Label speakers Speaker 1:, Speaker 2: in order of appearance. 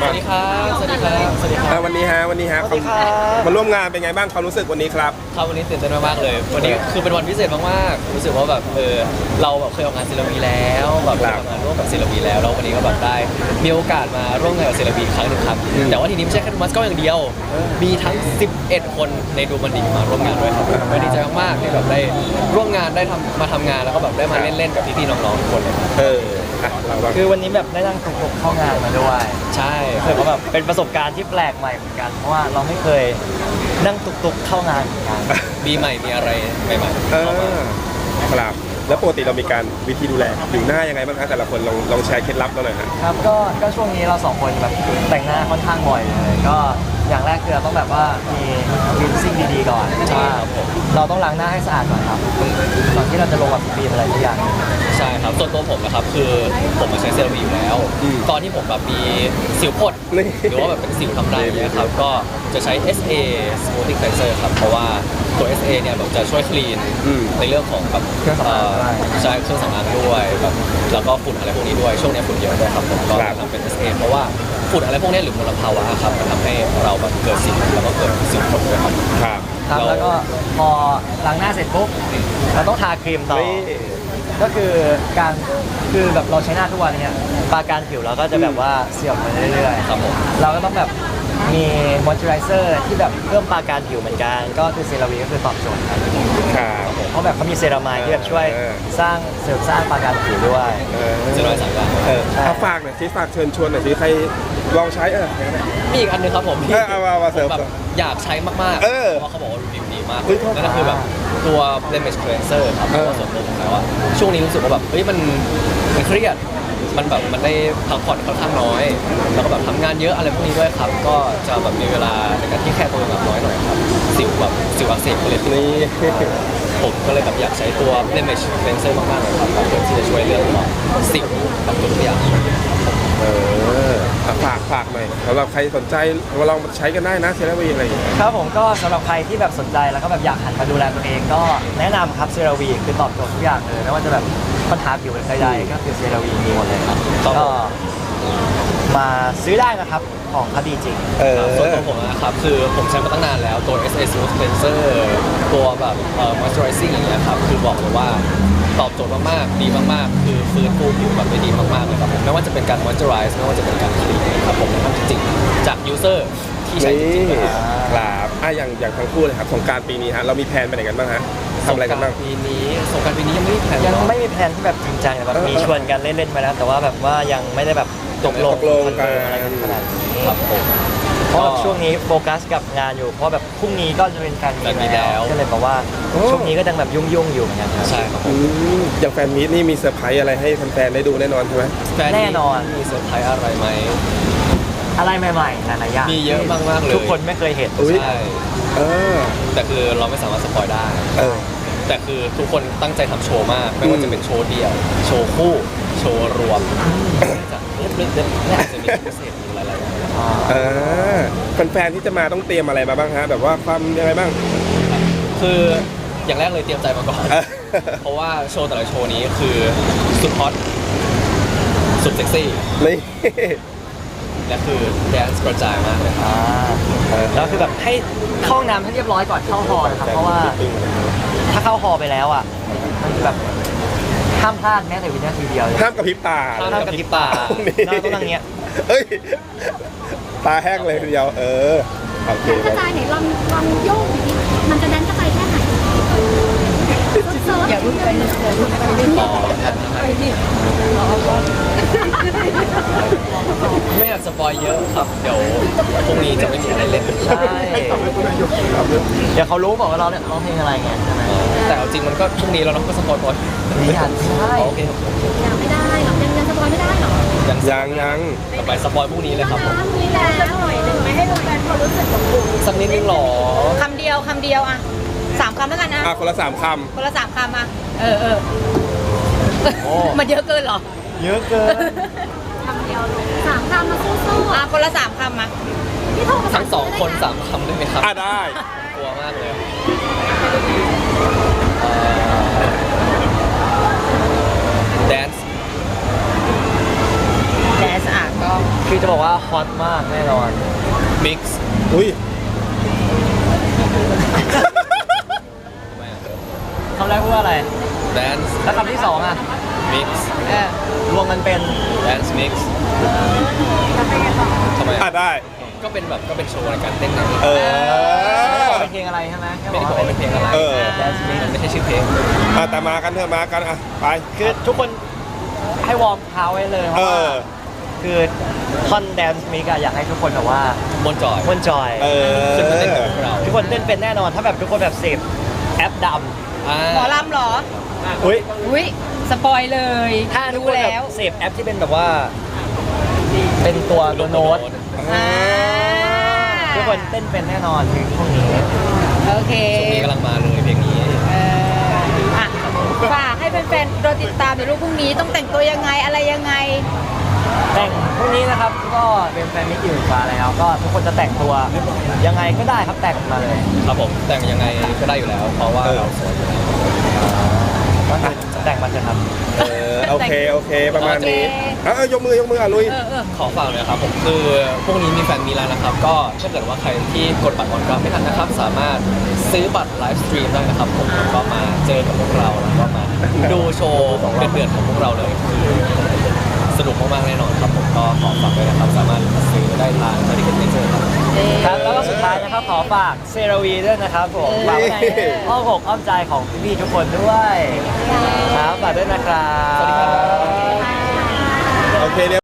Speaker 1: สวัสดีครับสวัสดีครับสวัสดีครับ
Speaker 2: วันนี้ฮะมาร่วมงานเป็นไงบ้างความรู้สึกวันนี้ครับ
Speaker 1: ครับวันนี้ตื่นเต้นมากๆเลยวันนี้คือเป็นวันพิเศษมากๆรู้สึกว่าแบบเราแบบเคยออกงานศิลปินแล้วแบบเคยทำงานร่วมกับศิลปินแล้ววันนี้ก็แบบได้มีโอกาสมาร่วมงานกับศิลปินครั้งหนึ่งครับแต่ว่าทีนี้ไม่ใช่แค่มัสก็อย่างเดียวมีทั้ง11คนในดูมันดีมาร่วมงานด้วยครับก็ดีใจมากๆที่แบบได้ร่วมงานได้มาทำงานแล้วก็แบบได้มาเล่นๆกับพี่ๆน้องๆทุกคนเลย
Speaker 3: คือวันนี้แบบได้นั่งตุกๆเข้างานมาด้วย
Speaker 1: ใช่
Speaker 3: รู้สึกว่าแบบเป็นประสบการณ์ที่แปลกใหม่เหมือนกันเพราะว่าเราไม่เคยนั่งตุกๆเข้างานเหมือนกัน
Speaker 1: มีใหม่มีอะไรใหม่ๆ
Speaker 2: ครับแล้วปกติเรามีการวิธีดูแลอยู่หน้ายังไงบ้างคะแต่ละคนลองแชร์เคล็ดลับเราหน่อย
Speaker 3: ครับก็ช่วงนี้เราสองคนแบบแต่งหน้าค่อนข้างบ่อยเลยก็อย่างแรกคือเราต้องแบบว่ามีวินซิ่งดีๆก่อน
Speaker 1: ใช่ครับ
Speaker 3: เราต้องล้างหน้าให้สะอาดก่อนครับก่อนที่เราจะลงแบบบีมอะไรทุกอย่าง
Speaker 1: ใช่ครับส่วนตัวผมนะครับคือผมมาใช้เซรั่มอยู่แล้วตอนที่ผมแบบมีสิวพดหรือว่าแบบเป็นสิวทำไรเนี่ยครับก็จะใช้ SA Smoothing Cleanser ครับเพราะว่าตัว SA เนี่ยแบบจะช่วยคลีนในเรื่องของแบบใช่เครื่องสำอางด้วยแบบแล้วก็ฝุ่นอะไรพวกนี้ด้วยช่วงนี้ฝุ่นเยอะด้วยครับผมก็ทำเป็น SA เพราะว่าฝุ่นอะไรพวกนี้หรือมลภาวะครับมันทำให้เราแบบเกิดสิวแล้วก็เกิดสิวพดด้วย
Speaker 3: ครับแล้วก็พอล้างหน้าเสร็จปุ๊บเราต้องทาครีมต่อก็คือแบบเราใช้หน้าทุกวันเนี่ยปราการผิวเราก็จะแบบว่าเสื่อมไปเรื่อยๆ
Speaker 1: ครับผม
Speaker 3: เราก็ต้องแบบมีมอยส์เจอไรเซอร์ที่แบบเพิ่มปราการผิวเหมือนกันก็คือเซราวีก็คือตอบโจทย์ครับเพราะแบบเขามีเซรามายที่แบบช่วยเสริมสร้างปราการผิวด้วย
Speaker 1: เซรามายสามอย่าง
Speaker 2: เอาฝากหน่อยสิฝากเชิญชวนหน่อยสิใครลองใช้
Speaker 1: มีอีกอันนึงครับผมที่
Speaker 2: แบบ
Speaker 1: อยากใช้มากๆเพราะเขาบอกว่ารีวิวดีมากนั่นก็คือแบบตัว blemish cleanser ครับเพราะว่าส่วนตัวผมแล้วช่วงนี้รู้สึกว่าแบบมันเครียดมันแบบมันได้พักผ่อนค่อนข้างน้อยแล้วก็แบบทำงานเยอะอะไรพวกนี้ด้วยครับก็จะแบบมีเวลาในการที่แค่ตัวแบบน้อยหน่อยครับสิวอักเสบก็เลยนี่ผมก็เลยแบบอยากใช้ตัว blemish cleanser มากๆเลยครับเพื่อที่จะช่วยเรื่องของสิวกับตัวอย่าง
Speaker 2: ฝากหน่อยสำหรับใครสนใจมาลองใช้กันได้นะเซราวีอะไรอย่างเงี้ย
Speaker 3: ครับผมก็สำหรับใครที่แบบสนใจแล้วก็แบบอยากหันมาดูแลตัวเองก็แนะนำครับเซราวีคือตอบโจทย์ทุกอย่างเลยไม่ว่าจะแบบปัญหาผิวใดๆก็คือเซราวีมีหมดเลยครับก็มาซื้อได้นะครับของเขาดีจริง
Speaker 1: ส่วนตัวผมนะครับคือผมใช้มาตั้งนานแล้วตัว SA Smooth Cleanser ตัวแบบ moisturizing อย่างเงี้ยครับคือบอกเลยว่าตอบโจทย์มากๆดีมากๆคือฟื้นฟูผิวแบบได้ดีมากๆเลยครับผมไม่ว่าจะเป็นการ moisturize ไม่ว่าจะเป็นการ clean ครับผมนะครับจริงๆจาก user ที่ใช้จริงๆ
Speaker 2: ครับอย่างทั้งคู่เลยครับสงกรานต์ปีนี้ฮะเรามีแผนไปไหนกันบ้างฮะทำอะไรกันบ้าง
Speaker 1: สงกรานต์ปีนี้ยังไม่มีแผน
Speaker 3: ที่แบบจริงจังแบบมีชวนกันเล่นๆมาแล้วแต่ว่าแบบว่ายังไม่ได้แบบตกลง
Speaker 2: กัน
Speaker 3: ขนาดนี้
Speaker 1: ครับผม
Speaker 3: เพราะช่วงนี้โฟกัสกับงานอยู่เพราะแบบพรุ่งนี้ก็จะเป็นการมีแล้วก็เลยบอกว่าช่วงนี้ก็ยังแบบยุ่งอยู่เหมือนกัน
Speaker 1: ใช่ครับ
Speaker 2: อย่างแฟนมีตนี่มีเซอร์ไพรส์อะไรให้แฟนๆได้ดูแน่นอนใช่ไหม
Speaker 3: แน่นอน
Speaker 1: มีเซอร์ไพรส์อะไรไหม
Speaker 3: อะไรใหม่ๆนานาอย่าง
Speaker 1: มีเยอะมากๆเลย
Speaker 3: ทุกคนไม่เคยเห็น
Speaker 1: ใช่แต่คือเราไม่สามารถสปอยได้แต่คือทุกคนตั้งใจทำโชว์มากไม่ว่าจะเป็นโชว์เดี่ยวโชว์คู่โชว์รวมจะน่าจะมีพิเศษอยู่หลายๆอย่าง
Speaker 2: แฟนๆที่จะมาต้องเตรียมอะไรมาบ้างฮะแบบว่าความยังไงบ้าง
Speaker 1: คืออย่างแรกเลยเตรียมใจมาก่อนเพราะว่าโชว์แต่ละโชว์นี้คือสุดฮอตสุดเซ็กซี่
Speaker 2: นี่
Speaker 1: และคือแดนซ์กระจายมากเลย
Speaker 3: แล้วคือแบบให้เข้าห้องน้ำให้เรียบร้อยก่อนเข้าฮอลนะครับเพราะว่าถ้าเข้าฮอลไปแล้วอ่ะมันแบบห้ามพลาดแม้แต่วินาทีเดียว
Speaker 2: ห้ามกระพริบตา
Speaker 3: ห้ามกระพริบตาเราต้องนั่งเงี้ย
Speaker 2: ตาแห้งเลยทีเดียว
Speaker 4: โอเคกระจายไหนลองโยกดิมันจะแดนกระจายแค่ไหนอย่ารุ่นไปอย่ารุ่นไป
Speaker 1: ไม่อยากสปอยเยอะครับเดี๋ยวพรุ่งนี้จะไม่มีอะไรเล่น
Speaker 3: ใช่เดี๋ยวเขารู้บอกว่าเราเนี่ยร้องเพลงอะไรไงใช่ไหม
Speaker 1: แต่เอาจริงมันก็พรุ่งนี้เราต้องก็สปอยก่อน
Speaker 3: นี่อ่ะใช่
Speaker 1: โอเค
Speaker 4: ยังไม่ได้หรอกยังสปอยไม่ได้หรอ
Speaker 2: ยัง
Speaker 1: ต่อไปสปอยพรุ่งนี้เลยครับผม
Speaker 4: มีแล้วหน่อยหนึ่งไหมให้แฟนเขารู้สึกของคุณ
Speaker 1: สักนิดนึงหรอ
Speaker 4: คำเดียวอ่ะ3 คำแล้วกันนะ
Speaker 2: คนละ3 คำ
Speaker 4: คนละ3 คำอ่ะมันเยอะเกินหรอ
Speaker 3: เยอะเกิน
Speaker 4: คำเดียว3 คำมาสู้ๆคนละ3 คำมาพี่โทร
Speaker 1: ทั้ง2 คน3 คำได้ไหมครับ
Speaker 2: ได้
Speaker 1: กลัวมากเลยแดนซ์
Speaker 4: ก็
Speaker 3: คพี่จะบอกว่าฮอตมากแน่นอน
Speaker 1: มิกซ์
Speaker 2: อุ้ย
Speaker 3: คำแรกพูดว่าอะไร
Speaker 1: แดนซ์
Speaker 3: แล้วคำที่สองอ่ะ
Speaker 1: มิกซ์
Speaker 3: รวมกันเป็น
Speaker 1: แดนซ์มิกซ์ทำไม
Speaker 2: อ่ะได้
Speaker 1: ก็เป็นโชว์ในการเต้นไง
Speaker 2: เออ
Speaker 3: ไม่ได้บอกเป็นเพลงอะไรใช่ไหม
Speaker 1: ไม่ได้บอกว่าเป็นเพลงอะไร
Speaker 2: เออ
Speaker 3: แดนซ์มิก
Speaker 1: มันไม่ใช่ชื่อเพลง
Speaker 2: อ่ะแต่มากันเถอะมากันอ่ะไป
Speaker 3: คือทุกคนให้วอร์มเท้าไว้เลยเพ
Speaker 2: เอ
Speaker 3: ราะว่า
Speaker 2: อ
Speaker 3: คือท่อนแดนซ์มิกอะอยากให้ทุกคนแบบว่า
Speaker 1: บนจอย
Speaker 3: ม่วนจอย
Speaker 2: เออ
Speaker 1: ขึ้นมาเต้นกับพวกเรา
Speaker 3: ทุกคนเต้นเป็นแน่นอนถ้าแบบทุกคนแบบเสพแอปด
Speaker 4: หมอลำเหรอ
Speaker 3: ำอุ้ย
Speaker 4: อุ้ยสปอยเลย
Speaker 3: ถ้าทุก
Speaker 4: รู้
Speaker 3: คนแบ
Speaker 4: แล้ว
Speaker 3: บเสพแอปที่เป็นแบบว่า เป็นตัวโน้ต
Speaker 4: อ่า
Speaker 3: ทุกคนเต้นเป็นแน่นอนเพลงพวกนี้
Speaker 4: โอเค
Speaker 1: ช่วงนี้กำลังมาเลยเพลงนี้
Speaker 4: อ่ะฝากให้แฟนๆรอติดตามเดี๋ยวลูกพรุ่งนี้ต้องแต่งตัวยังไงอะไรยังไง
Speaker 3: แต่งพรุ่งนี้นะครับก็เป็นแฟนมิตรอยู่ฟ้าแล้วก็ทุกคนจะแต่งตัวยังไงก็ได้ครับแต่งมาเลย
Speaker 1: ครับผมแต่งยังไงก็ได้อยู่แล้ว เพราะว่าเราสวยอยู่แล้ว
Speaker 3: ก็คือแต่งมาเถอะครับ
Speaker 2: เออโอเคโอเคประมาณนี้
Speaker 4: โอเค
Speaker 2: ยกมือ่ะลุย
Speaker 1: ขอฝากเลยนะครับผมคือพวกนี้มีแฟนมีแล้วนะครับ ก็ถ้าเกิดว่าใครที่กดบัตรออนกราฟไม่ทันนะครับ สามารถซื้อบัตรไลฟ์สตรีมได้นะครับผมแล้วก็มาเจอกับพวกเราแล้วก็มาดูโชว์เดือดๆของพวกเราเลยคือสนุกมากๆแน่นอนครับผมก็ขอฝากด้วยนะครับ สามารถซื้อได้ทางที่เก็ตเจอครับ
Speaker 3: ครับแล้วก็สุดท้ายนะครับขอฝากเซราวีด้วยนะครับผมฝากไว้ในอ้อมอกอ้อมใจของพี่ๆทุกคนด้วยครับฝากด้วยนะครับ
Speaker 1: สวัสดีครับ
Speaker 2: โอเคเรียบ